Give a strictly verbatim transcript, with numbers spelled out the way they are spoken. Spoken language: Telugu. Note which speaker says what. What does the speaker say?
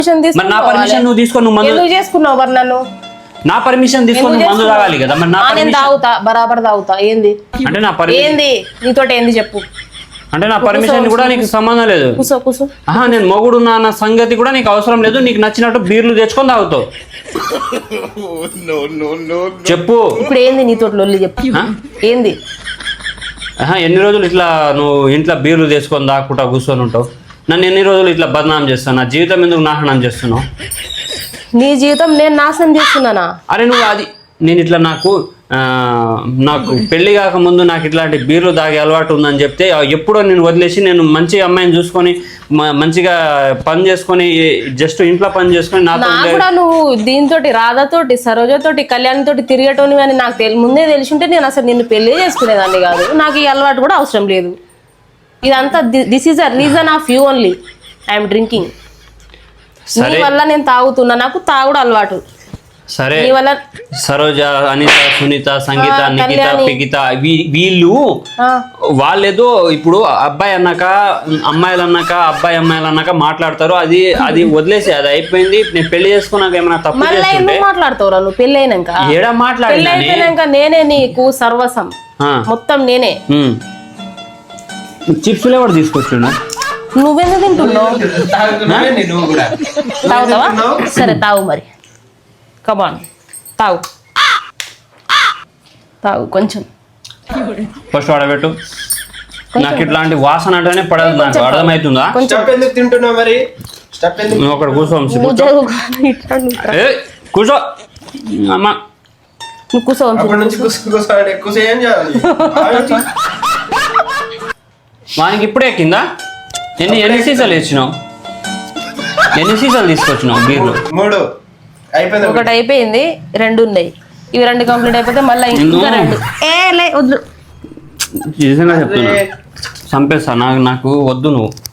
Speaker 1: మరి నా పర్మిషన్ నువ్వు తీసుకొని నువ్వు మందు
Speaker 2: ఎందుకు చేసుకున్నావు మరి నన్ను?
Speaker 1: నా పర్మిషన్ తీసుకొని నువ్వు మందు తాగాలి కదా. మరి నా
Speaker 2: నేను తాగుతా, బరాబర్ తాగుతా. ఏంది
Speaker 1: అంటే నా పర్మిషన్
Speaker 2: ఏంది నీతోటి ఏంది చెప్పు.
Speaker 1: అంటే నా పర్మిషన్ కూడా నీకు సంబంధం లేదు.
Speaker 2: కూసో కూసో.
Speaker 1: ఆహా, నేను మొగుడు నా సంగతి కూడా నీకు అవసరం లేదు. నీకు నచ్చినట్టు బీర్లు తెచ్చుకొని తాగుతావు. చెప్పు
Speaker 2: ఇప్పుడు ఏంది నీతోటి లొల్లి చెప్పు. ఏంది?
Speaker 1: ఆహా, ఎన్ని రోజులు ఇట్లా నువ్వు ఇంట్లో బీర్లు తెచ్చుకొని దాక్కుంటా కూర్చొని ఉంటావు? నన్ను ఎన్ని రోజులు ఇట్లా బదనాం చేస్తాను? నా జీవితం ఎందుకు నాశనం చేస్తున్నావు?
Speaker 2: నీ జీవితం నేను నాశనం చేస్తున్నానా?
Speaker 1: అరే నువ్వు అది నేను ఇట్లా నాకు నాకు పెళ్లి కాక ముందు నాకు ఇట్లాంటి బీర్లు తాగే అలవాటు ఉందని చెప్తే ఎప్పుడో నేను వదిలేసి నేను మంచి అమ్మాయిని చూసుకొని మంచిగా పని చేసుకొని జస్ట్ ఇంట్లో పని చేసుకొని నాతో
Speaker 2: కూడా నువ్వు దీంతో రాధతోటి సరోజతోటి కళ్యాణ్తోటి తిరిగేటోని అని నాకు తెలి ముందే తెలిసి ఉంటే నేను అసలు నిన్ను పెళ్లి చేసుకునేదాన్ని కాదు. నాకు ఈ అలవాటు కూడా అవసరం లేదు. ఇదంతా this is a reason of you only. I'm drinking. నీ వల్ల నేను తాగుతున్నా. నాకు తాగుడు అలవాటు.
Speaker 1: సరే, సరోజ, అనిత, సునీత, సంగీత, నిఖిత, పిగిత వీళ్ళు వాళ్ళేదో ఇప్పుడు అబ్బాయి అన్నాక అమ్మాయిలు అన్నాక అబ్బాయి అమ్మాయిలు అన్నాక మాట్లాడతారు. అది అది వదిలేసి అది అయిపోయింది. నేను పెళ్లి చేసుకున్నాక ఏమైనా తప్పు
Speaker 2: మాట్లాడతావు నువ్వు? పెళ్లి అయినాక
Speaker 1: ఏడా మాట్లాడినాక
Speaker 2: నేనే నీకు సర్వసం మొత్తం నేనే.
Speaker 1: చిప్స్ ఎవరు తీసుకొచ్చున్నా?
Speaker 2: నువ్వెందుకు తింటున్నావు? తాగుతావా? సరే తాగు మరి. కమాన్ తాగు తాగు కొంచెం.
Speaker 1: ఫస్ట్ వాడబెట్టు. నాకు ఇట్లాంటి వాసన అంటేనే పడదు. నాకు అర్థమవుతుందా?
Speaker 3: తింటున్నావు మరి?
Speaker 1: నువ్వు అక్కడ కూర్చో. కూర్చో అమ్మా.
Speaker 2: నువ్వు కూర్చో.
Speaker 1: వానికి ఇప్పుడే ఎక్కిందా? ఎన్ని ఎన్ని సీసాలు ఇచ్చినావు? ఎన్ని సీసాలు తీసుకొచ్చినావు బీర్లు?
Speaker 3: మూడు.
Speaker 2: ఒకటి అయిపోయింది, రెండు ఉన్నాయి. ఇవి రెండు కంప్లీట్ అయిపోతే మళ్ళీ ఇంకా రెండు. ఏ లే వద్దు,
Speaker 1: చెప్తున్నా చంపేస్తా. నాకు నాకు వద్దు నువ్వు.